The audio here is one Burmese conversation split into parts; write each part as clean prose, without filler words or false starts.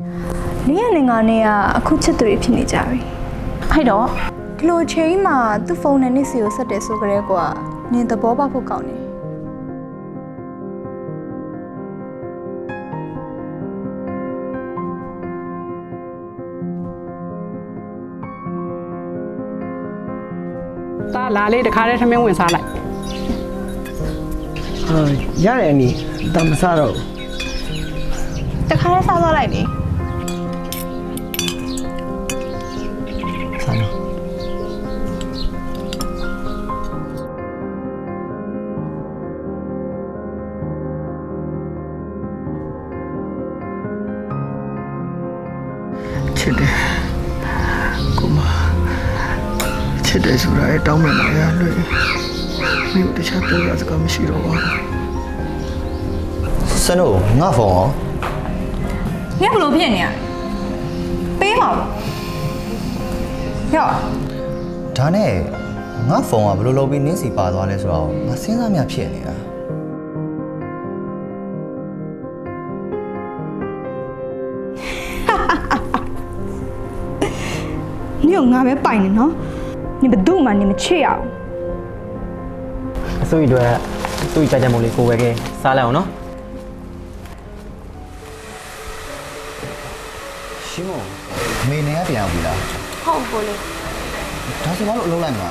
နင်းရနေငါနဲ့ကအခုချစ်သူတွေဖြစ်နေကြပြီအဲ့တော့ဒီလိုချိန်မှာသူ့ဖုန်းနဲ့နင့်စီကိုဆက်တယ်ဆိုကြတဲ့ကွာနင်သဘောပေါက်ဖို့ကောင်းတယ်သားလာလေးတခါတည်းထမင်းဝင်စားလိုက်ရတယ်အနီတမစားတော့တခါတည်းစားသွားလိုက်လေစားတော့ချစ်တယ်ကိုမချစ်တယ်ဆိုတာတောင်းမှန်ရလို့မြို့တခြားပြောရစကားမရှိတော့ပါဘူးစနို့ငါဖုန်းရောနင်ဘလို့ဖြစ်နေရပေးပါဦးရော့ဒါနဲ့ငါဖုန်းကဘယ်လိုလုပ်ပြီးနင်းစီပါသွားလဲဆိုတော့ငါစဉ်းစားမြဖြစ်နေတာနင်ကငါပဲပိုင်နေနော်နင်ဘယ်သူမှနင်မချစ်ရအောင်အစိုးရအတွက်သူ့ကြကြမို့လေးကိုဝယ်ခဲ့စားလိုက်အောင်နော်ရှင်းမအမေနဲ့ကပြန်အောင်ပြီလားဟုတ်ကိုလေဒါဆိုဘာလို့အလုပ်လိုက်မှာ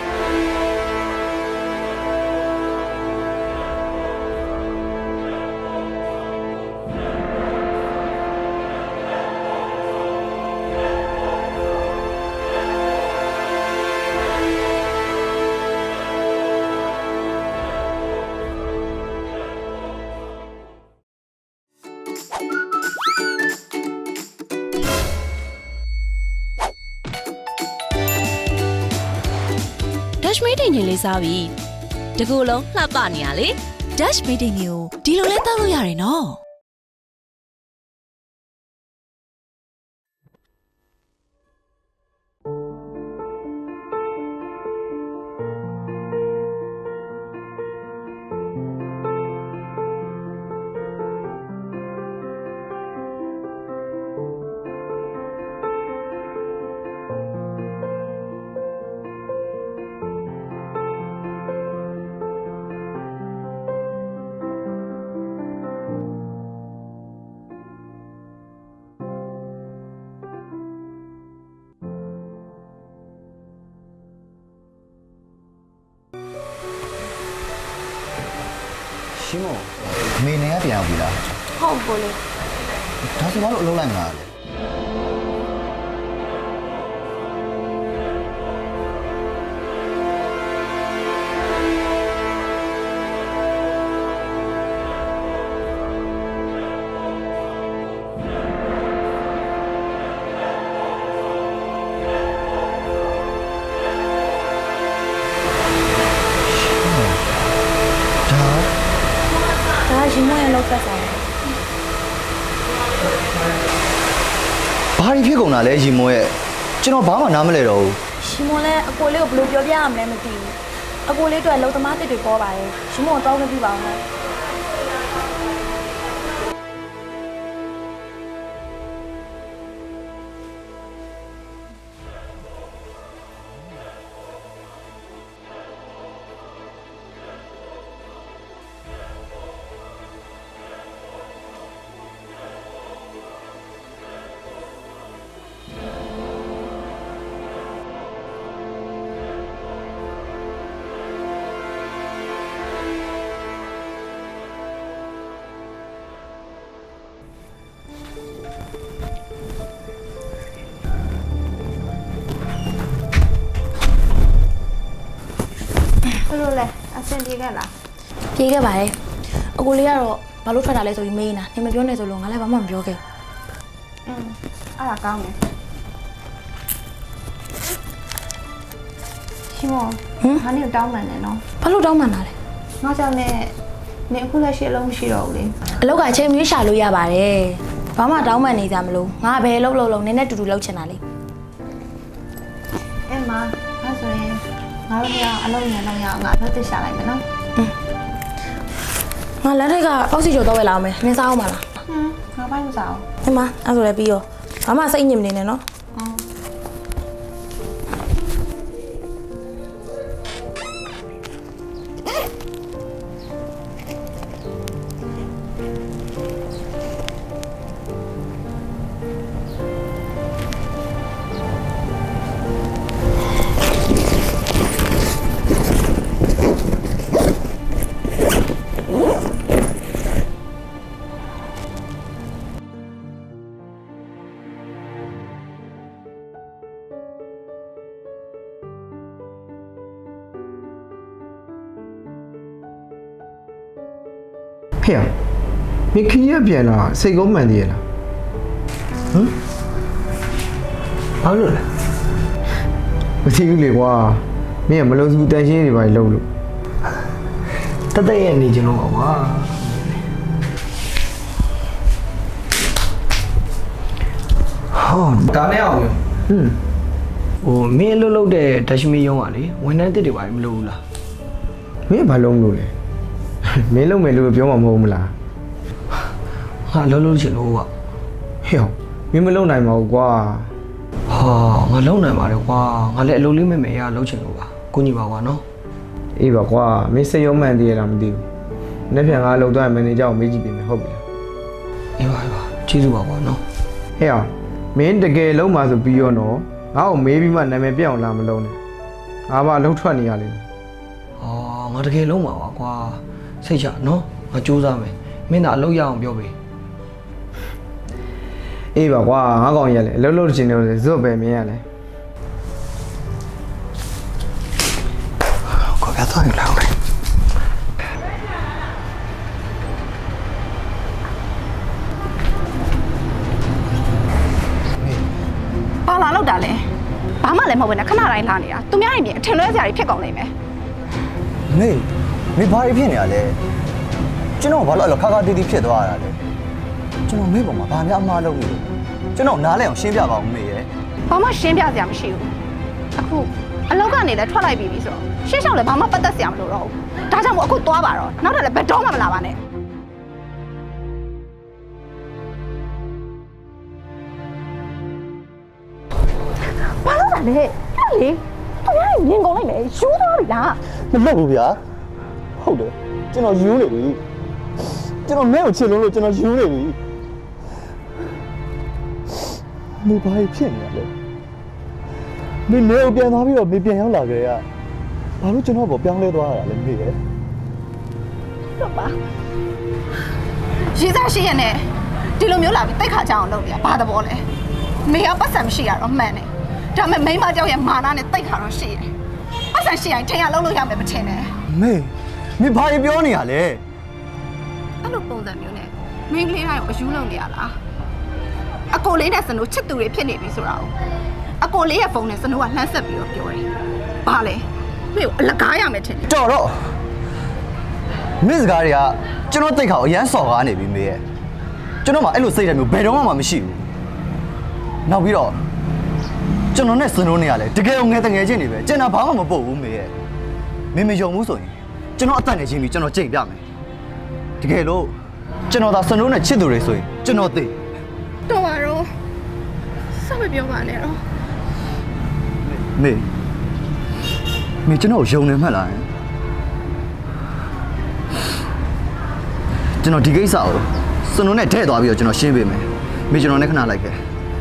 Dash meeting ကြီးလေးစားပြီတကူလုံးလှပနေရလေ Dash meeting ကြီးကိုဒီလိုလဲတောက်လို့ရတယ်နော်ရှင်းမအမေနဲ့ကပြန်အောင်ပြီလားဟုတ်ကိုလေဒါဆိုဘာလို့အလုပ်လိုက်မှာလဲဒါရှင်မရဲ့လောက်သက်ဆောင်ဘာဖြစ်ကုန်တာလဲရီမွန်ရဲ့ကျွန်တော်ဘာမှနားမလဲတော့ဘူးရှင်မလည်းအကိုလေးကိုဘယ်လိုပြောပြရမလဲမသိဘူးအကိုလေးတို့လုံသမားတစ်တွေပေါ်ပါတယ်ရှင်မတော့မသိပါဘူး ဘယ်လိုလဲအဆင်ပြေခဲ့လားပြေခဲ့ပါတယ်အကိုလေးကတော့ဘာလို့ထွက်တာလဲဆိုပြီးမေးနေတာနေမပြောနဲ့ဆိုလို့ငါလည်းဘာမှမပြောခဲ့အဲ့ဒါကောင်းတယ်ရှင်မောဟာနေတောင်းမှန်တယ်နော်ဘာလို့တောင်းမှန်တာလဲငါကြောင့်နဲ့နေအခုလက်ရှိအလုံးမရှိတော့ဘူးလေအလောက်ကချိန်မြွေးရှာလို့ရပါတယ်ဘာမှတောင်းမှန်နေကြမလို့ငါဘယ်လုံးလုံးနင်းနဲ့တူတူလောက်ချင်တာလေအဲ့မှာအဲ့ဆိုရင်ငါတို့ကအလုံးနဲ့တော့ရအောင်ငါအလုပ်တက်ရှာလိုက်မယ်နော်ငါလက်ထက်ကအောက်ဆီကျော်တော့ဝယ်လာအောင်မယ်နင်းစားအောင်ပါလားငါပိုင်းမစားဘူးဟဲ့မအဲ့ဆိုလည်းပြီးရောဘာမှစိတ်ညစ်မနေနဲ့နော်ဖေရမင်းခီးရပြန်လာစိတ်ကောမှန်သေးရလားဘာလို့လဲမသိဘူးလေကွာမင်းကမလုံးစုတန်ရှင်းတွေပါလို့လို့တသက်ရဲ့နေကြလို့ပါကွာဟောဒါနဲ့အောင်ရောဟိုမင်းအလုပ်လုပ်တဲ့ဒက်ရှ်မီယုံကလေဝန်ထမ်းတစ်တွေပါမလို့ဘူးလားမင်းဘာလုံးလို့လဲမင်းလုံးမယ်လို့ပြောမှာမဟုတ်ဘူးမလားဟာလုံးလုံးချင်လို့ကွာဟဲ့မင်းမလုံးနိုင်ပါဘူးကွာဟာငါလုံးနိုင်ပါတယ်ကွာငါလည်းအလုပ်လေးမဲ့မယ်ရလုံးချင်လို့ပါကိုညီပါကွာနော်အေးပါကွာမင်းစိတ်ရုံးမှန်သေးရလားမသိဘူးနေ့ပြန်ငါလုံသွားရင်မန်နေဂျာကိုမေးကြည့်ပေးမယ်ဟုတ်ပြီလားအေးပါကျေးဇူးပါကွာနော်ဟဲ့မင်းတကယ်လုံးမှာဆိုပြီးရောနော်ငါ့ကိုမေးပြီးမှနာမည်ပြအောင်လာမလုံးနဲ့ငါမှအလုပ်ထွက်နေရလိမ့်မယ်ဟောငါတကယ်လုံးမှာပါကွာစိတ်ချနော်ငါစူးစမ်းမယ်မင်းသာအလုပ်ရအောင်ပြောပေးအေးပါကွာငါကောင်ရလေအလုပ်လုပ်ချင်တယ်ဆိုဇွတ်ပဲမင်းရလေကိုပြတ်သွားရင်လောက်မယ်ဘာလာလောက်တာလဲဘာမှလည်းမဟုတ်ဘူးနဲ့ခဏတိုင်းလာနေတာသူများရင်ပြင်အထင်လွဲစရာတွေဖြစ်ကုန်နေမယ်မေဘာတွေဖြစ်နေရလဲကျွန်တော်ဘာလို့အဲ့လိုခါခါတီးတီးဖြစ်သွားရတာလဲကျွန်တော်မေပေါ်မှာဘာများအမှားလုပ်နေလဲကျွန်တော်နားလဲအောင်ရှင်းပြပါဦးမေရဲ့ဘာမှရှင်းပြစရာမရှိဘူးအခုအလောက်ကနေလည်းထွက်လိုက်ပြီဆိုတော့ရှင်းရှောင်းလည်းဘာမှပတ်သက်စရာမလိုတော့ဘူးဒါကြောင့်မို့အခုသွားပါတော့နောက်ထပ်လည်းဘယ်တော့မှမလာပါနဲ့ဘာလို့လဲဟဲ့လေသူများရင်မြင်ကုန်လိုက်မယ်ယူသွားပြီလားမလုပ်ဘူးဗျာဟုတ်တယ်ကျွန်တော်ယူနေပြီကျွန်တော်မဲကိုချစ်လို့ကျွန်တော်ယူနေပြီမေဘာဖြစ်နေရလဲမေနေကိုပြန်သွားပြီးတော့မေပြန်ရောက်လာကြရဘာလို့ကျွန်တော်ပေါ်ပြောင်းလဲသွားရတာလဲမေရဲ့တော့ပါရေးစားရှိရနဲ့ဒီလိုမျိုးလာပြီးတိတ်ခါကြအောင်လုပ်နေရဘာသဘောလဲမေကပတ်စံမရှိရတော့မှန်တယ်ဒါပေမဲ့မိန်းမကြောက်ရဲ့မာနနဲ့တိတ်ခါတော့ရှိတယ်ပတ်စံရှိရင်ထင်ရလုံးလို့ရမယ်မထင်နဲ့မေဘာပြောနေရလဲအဲ့လိုပုံစံမျိုးနဲ့မင်းကလေးတိုင်းကိုအယူလုပ်နေရလားအကိုလေးနဲ့စနိုးချစ်သူတွေဖြစ်နေပြီဆိုတာကိုအကိုလေးရဲ့ဖုန်းနဲ့စနိုးကလှမ်းဆက်ပြီးတော့ပြောတယ်ဘာလဲမေကိုအလကားရမယ်ထင်တယ်တော်တော့မင်းစကားတွေကကျွန်တော်တိတ်ခါအရန်စော်ကားနေပြီမေရဲ့ကျွန်တော်မှအဲ့လိုစိတ်ဓာတ်မျိုးဘယ်တော့မှမရှိဘူးနောက်ပြီးတော့ကျွန်တော်နဲ့စနိုးနေရလဲတကယ်ငယ်တငယ်ချင်းနေပဲကျွန်တော်ဘာမှမပုတ်ဘူးမေရဲ့မင်းမယုံဘူးဆိုရင်ကျွန်တော်အသက်နဲ့ချင်းပြီးကျွန်တော်ကြိတ်ပြမယ်တကယ်လို့ကျွန်တော်သာစနိုးနဲ့ချစ်သူတွေဆိုရင်ကျွန်တော်သိတော့ပါတော့စမပြောပါနဲ့တော့မေကျွန်တော်ယုံနေမှတ်လားကျွန်တော်ဒီကိစ္စကိုစနိုးနဲ့ထဲ့သွားပြီးတော့ကျွန်တော်ရှင်းပေးမယ်မေကျွန်တော်နဲ့ခဏလိုက်ခဲ့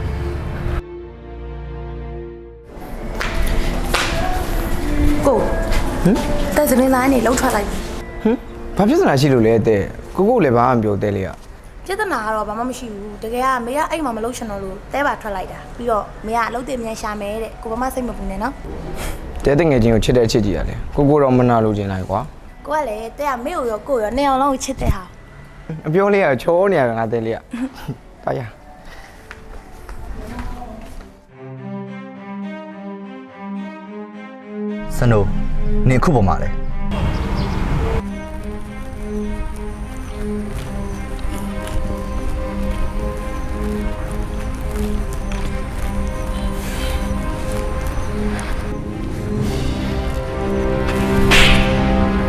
ကိုတဲ့စနေသားနေလှုပ်ထွက်လိုက်ဘာဖြစ်စရာရှိလို့လဲတဲ့ကိုလည်းဘာမှမပြောတဲ့လေကပြဿနာကတော့ဘာမှမရှိဘူးတကယ်ကမေကအဲ့မှာမလှုပ်ချင်တော့လို့တဲပါထွက်လိုက်တာပြီးတော့မေကအလုပ်တင်မြန်ရှာမယ်တဲ့ကိုဘာမှစိတ်မပူနဲ့နော်တဲတငယ်ချင်းကိုချစ်တဲ့အချစ်ကြီးရလဲကိုတော့မနာလို့ခြင်းလိုက်ကွာကိုကလည်းတဲကမေကိုရောကိုရောနေအောင်လုံးကိုချစ်တဲ့ဟာအပြောလေးကချောနေရတာငါတဲလေးကပါရစနိုးနင်ခုပေါ်မှာလဲ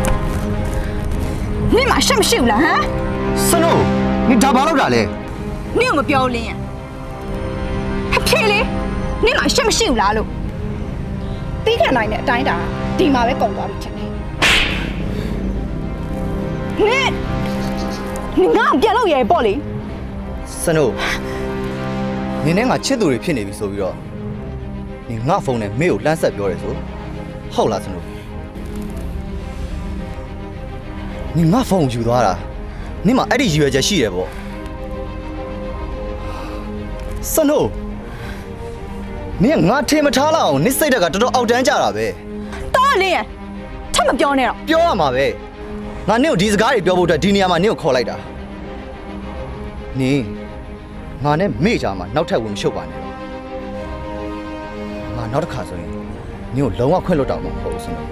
你妈什么事了哈？ စနိုးနင်ဒါဘာလုပ်တာလဲနင့်ကိုမပြောလင်းရအဖေလေနင့်မှာရှက်မရှိဘူးလားလို့တီးခံနိုင်တဲ့အတိုင်းတာဒီမှာပဲကုန်သွားပြီချင်တယ်နင်ငါ့ကိုပြန်လို့ရရပေါ့လေစနိုးနင်းနဲ့ငါချစ်သူတွေဖြစ်နေပြီဆိုပြီးတော့နင်ငါဖုန်းနဲ့မေကိုလှမ်းဆက်ပြောတယ်ဆိုဟုတ်လားစနိုးနင်ငါဖုန်းကိုယူသွားတာနင်မှာအဲ့ဒီရည်ရွယ်ချက်ရှိတယ်ပေါ့စနိုးနင်ငါထင်မထားလောက်အောင်နင်စိတ်ဓာတ်ကတော်တော်အောက်တန်းကြတာပဲတော်လင်းရထပ်မပြောနဲ့တော့ပြောရမှာပဲငါနင့်ကိုဒီစကားတွေပြောဖို့အတွက်ဒီနေရာမှာနင့်ကိုခေါ်လိုက်တာနင်ငါနဲ့မေ့ကြမှာနောက်ထပ်ဝင်မရှုပ်ပါနဲ့ငါနောက်တစ်ခါဆိုရင်နင့်ကိုလုံးဝခွင့်လွတ်တော့မှာမဟုတ်ဘူးစနော်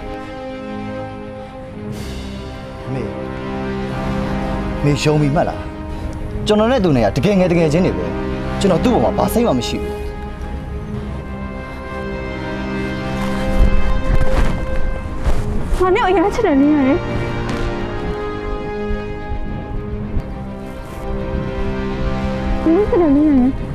မေရှုံးပြီမှတ်လားကျွန်တော်နဲ့သူနဲ့ကတကယ်ငယ်တကယ်ချင်းနေပဲကျွန်တော်သူ့ဘောမှာဘာစိတ်မှမရှိဘူးငါနဲ့အရင်ချစ်တယ်နင်းရတယ်နင်းချစ်တယ်နင်းရတယ်